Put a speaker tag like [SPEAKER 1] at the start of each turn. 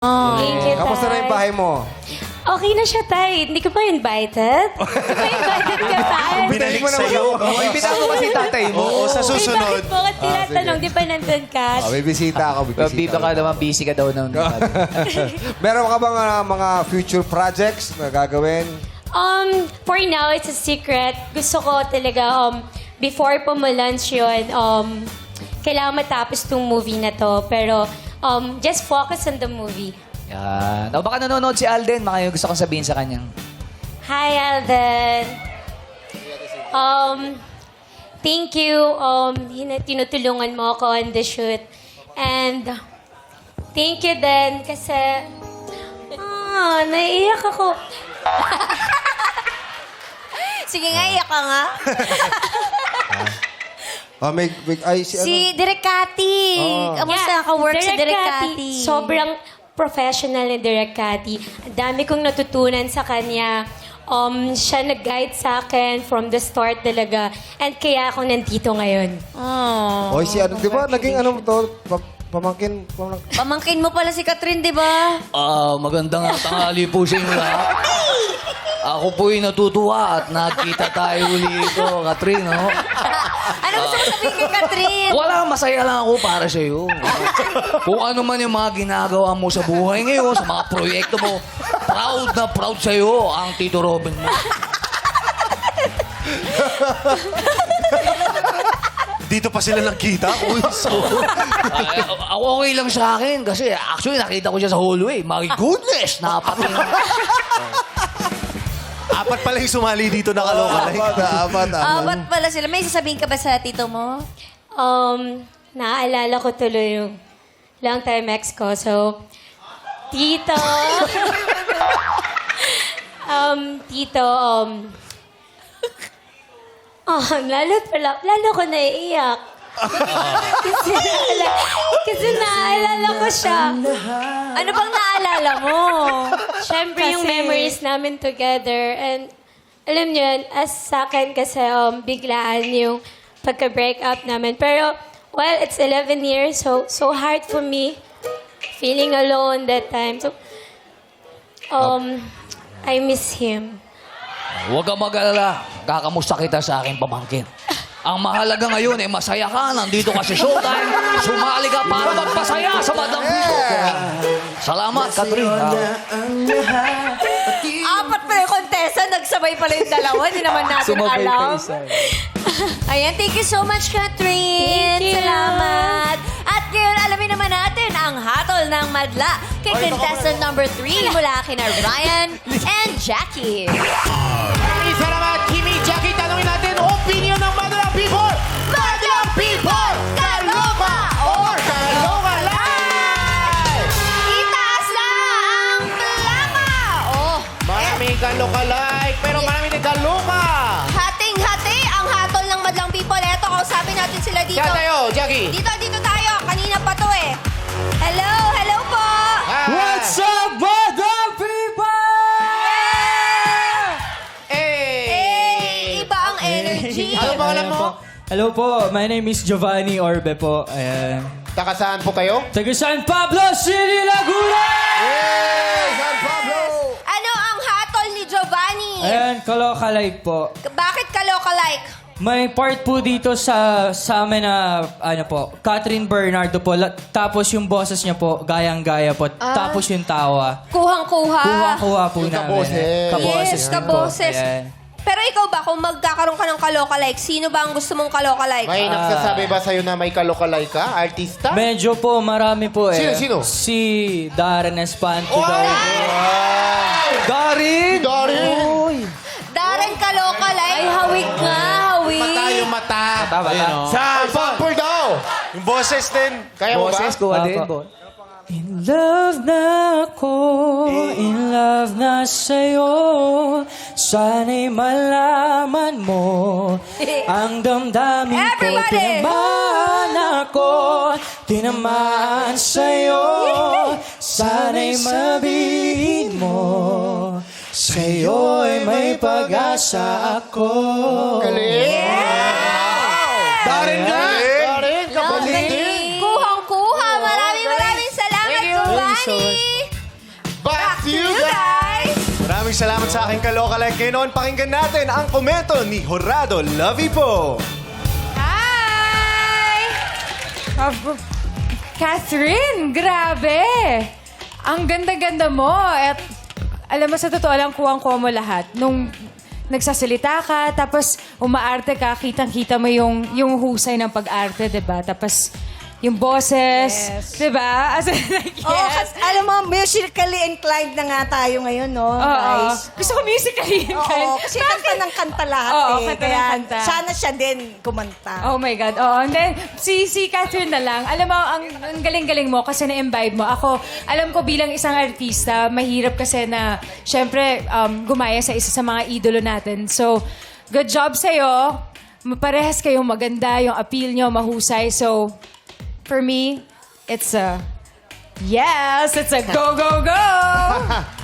[SPEAKER 1] Thank you,
[SPEAKER 2] Kamusta na yung
[SPEAKER 1] Tay.
[SPEAKER 2] bahay mo?
[SPEAKER 1] Okay na siya, Tay. Hindi ka pa invited? Hindi ka invited ka, Tay?
[SPEAKER 3] Binalik
[SPEAKER 2] mo naman
[SPEAKER 3] sa'yo.
[SPEAKER 2] ako.
[SPEAKER 4] Imbitahan mo kasi tatay mo.
[SPEAKER 3] Oo, sa
[SPEAKER 1] Ay,
[SPEAKER 3] susunod.
[SPEAKER 1] bakit mo ka tinatanong? Di ba nandun ka?
[SPEAKER 2] May bisita ako. May bisita
[SPEAKER 4] Bibig ka naman, busy ka daw ng...
[SPEAKER 2] Meron ka bang mga future projects na gagawin?
[SPEAKER 1] For now, it's a secret. Gusto ko talaga, before po mo-launch yun, kailangan matapos tong movie na to. Pero, just focus on the movie.
[SPEAKER 4] Yan. O baka nanonood si Alden, baka yung gusto kong sabihin sa kanyang.
[SPEAKER 1] Hi, Alden. Thank you. Tinutulungan mo ako on the shoot. And thank you din kasi naiiyak ako.
[SPEAKER 5] Sige nga, iyak ka nga. Si Direk Cathy. Kamusta ka-work sa Direk Cathy?
[SPEAKER 1] Sobrang professional ni Direk Cathy. Ang dami kong natutunan sa kanya. Siya nag-guide sa akin from the start talaga. And kaya ako nandito ngayon.
[SPEAKER 5] Oh.
[SPEAKER 2] Oy, si ano, di ba? Naging ano to? Pamangkin.
[SPEAKER 5] Pamangkin mo pala si Catherine, di ba?
[SPEAKER 4] Magandang tanghali po sa inyo lahat. Ako po'y natutuwa at nakita tayo uli ito, Catherine, no?
[SPEAKER 5] Ano gusto mo sabihin kay Catherine?
[SPEAKER 4] Wala, masaya lang ako para sa iyo. Kung ano man yung mga ginagawa mo sa buhay ngayon, sa mga proyekto mo, proud na proud sa iyo ang Tito Robin mo.
[SPEAKER 3] Dito pa sila nagkita. Uy,
[SPEAKER 4] Ako okay lang sa akin kasi actually nakita ko siya sa hallway. My goodness! Napating.
[SPEAKER 3] apat pala yung sumali dito na kaloka.
[SPEAKER 2] Apat.
[SPEAKER 5] Ba't pala sila? May sasabihin ka ba sa tito mo?
[SPEAKER 1] Naaalala ko tuloy yung long time ex ko. So, Tito. Tito, lalo ko naiiyak. kasi naalala ko siya.
[SPEAKER 5] Ano bang naalala mo?
[SPEAKER 1] Siyempre, yung memories namin together. And alam niyo yun, as sa akin kasi biglaan yung pagka-break up namin. Pero, well, it's 11 years, so hard for me. Feeling alone that time. So, I miss him.
[SPEAKER 4] Huwag kang mag-alala. Kakamusta kita sa aking pamangkin. Ang mahalaga ngayon ay masaya ka. Nandito ka sa showtime. Sumali ka para magpasaya sa Madam Pito. Salamat, Catherine.
[SPEAKER 5] Apat pala yung kontesa. Nagsabay pala yung dalawa. Hindi naman natin alam. Ayan, thank you so much, Catherine.
[SPEAKER 1] Thank you.
[SPEAKER 5] Salamat. At ngayon, alamin naman natin ang hatol ng madla kay contestant number 3 mula kina Ryan and Jackie.
[SPEAKER 6] Salamat, Kimi, Jackie. Tanungin natin opinion ng Madlang People. Madlang People! Kaloka or Kaloka Live!
[SPEAKER 5] Itaas na ang plaka! Oh,
[SPEAKER 6] Maraming Kaloka Live, pero maraming din Kaloka.
[SPEAKER 5] hating-hati ang hatol ng Madlang People. Eto, kausapin natin sila dito.
[SPEAKER 6] Kaya tayo, Jackie.
[SPEAKER 5] Dito tayo. Kanina pa to eh. Hello po!
[SPEAKER 6] What's
[SPEAKER 4] up, Madam People?
[SPEAKER 5] Iba ang energy.
[SPEAKER 6] Ano ba alam mo?
[SPEAKER 7] Hello po, my name is Giovanni Orbe po. Ayan.
[SPEAKER 6] Taka saan po kayo?
[SPEAKER 7] Taga San Pablo City, Laguna!
[SPEAKER 2] San Pablo!
[SPEAKER 5] Ano ang hatol ni Giovanni?
[SPEAKER 7] Ayan, Kaloka Live po.
[SPEAKER 5] Bakit kaloka-like?
[SPEAKER 7] May part po dito sa amin na, ano po, Catherine Bernardo po. Tapos yung boses niya po, gayang-gaya po. Tapos yung tawa.
[SPEAKER 5] Kuhang-kuha.
[SPEAKER 7] Kuha-kuha po namin.
[SPEAKER 6] kaboses.
[SPEAKER 7] Kaboses
[SPEAKER 5] Yes,
[SPEAKER 7] din po.
[SPEAKER 5] kaboses.
[SPEAKER 7] Ayan.
[SPEAKER 5] Pero ikaw ba, kung magkakaroon ka ng kaloka-like, sino ba ang gusto mong kaloka-like?
[SPEAKER 6] May nagsasabi ba sa'yo na may Kaloka Live ka? Artista?
[SPEAKER 7] Medyo po, marami po eh.
[SPEAKER 6] Sino?
[SPEAKER 7] Si Darren Espanto daw po. Darin!
[SPEAKER 6] Dory!
[SPEAKER 5] Darren kaloka-like? Ay, hawig nga, hawig.
[SPEAKER 6] Mata yung mata.
[SPEAKER 3] Sa
[SPEAKER 6] Sample daw!
[SPEAKER 3] yung boses din.
[SPEAKER 6] Kaya mo ba?
[SPEAKER 4] Boses, kuha din.
[SPEAKER 7] Apo. In love na ako, in love na sa'yo. Sana'y malaman mo ang damdamin ko.
[SPEAKER 5] Everybody!
[SPEAKER 7] Tinamaan ako, tinamaan sa'yo. Sana'y mabihin mo, sa'yo'y may pag-asa ako.
[SPEAKER 6] Galing! Darin nga! Darin,
[SPEAKER 5] Lovely.
[SPEAKER 6] kapalit din!
[SPEAKER 5] Kuhang-kuha. Maraming salamat,
[SPEAKER 7] Thank you so
[SPEAKER 5] Giovanni.
[SPEAKER 7] much.
[SPEAKER 6] to you guys!
[SPEAKER 3] Maraming salamat sa aking kalokalike. Ngayon naman pakinggan natin ang komento ni Horado Lavipo.
[SPEAKER 8] Hi! Catherine, grabe! Ang ganda-ganda mo. At alam mo, sa totoo lang, kuwang-kuwa mo lahat. Nung nagsasalita ka, tapos umaarte ka, kitang-kita mo yung husay ng pag-arte, diba? Tapos yung boses, diba? As in, like, yes.
[SPEAKER 9] Oo, kasi alam mo, musically inclined na nga tayo ngayon, no,
[SPEAKER 8] Oo.
[SPEAKER 9] guys?
[SPEAKER 8] Gusto ko musically
[SPEAKER 9] Oo, kasi kanta ng kanta lahat
[SPEAKER 8] Oo,
[SPEAKER 9] eh.
[SPEAKER 8] kanta ng
[SPEAKER 9] Kaya
[SPEAKER 8] kanta.
[SPEAKER 9] sana siya din kumanta.
[SPEAKER 8] Oh my God. Oo. And then, si Catherine na lang. Alam mo, ang galing-galing mo kasi na-imbibe mo. Ako, alam ko bilang isang artista, mahirap kasi na, syempre, gumaya sa isa sa mga idolo natin. So, good job sa'yo. Parehas kayong maganda, yung appeal nyo, mahusay. So, for me, it's a yes, it's a go, go, go!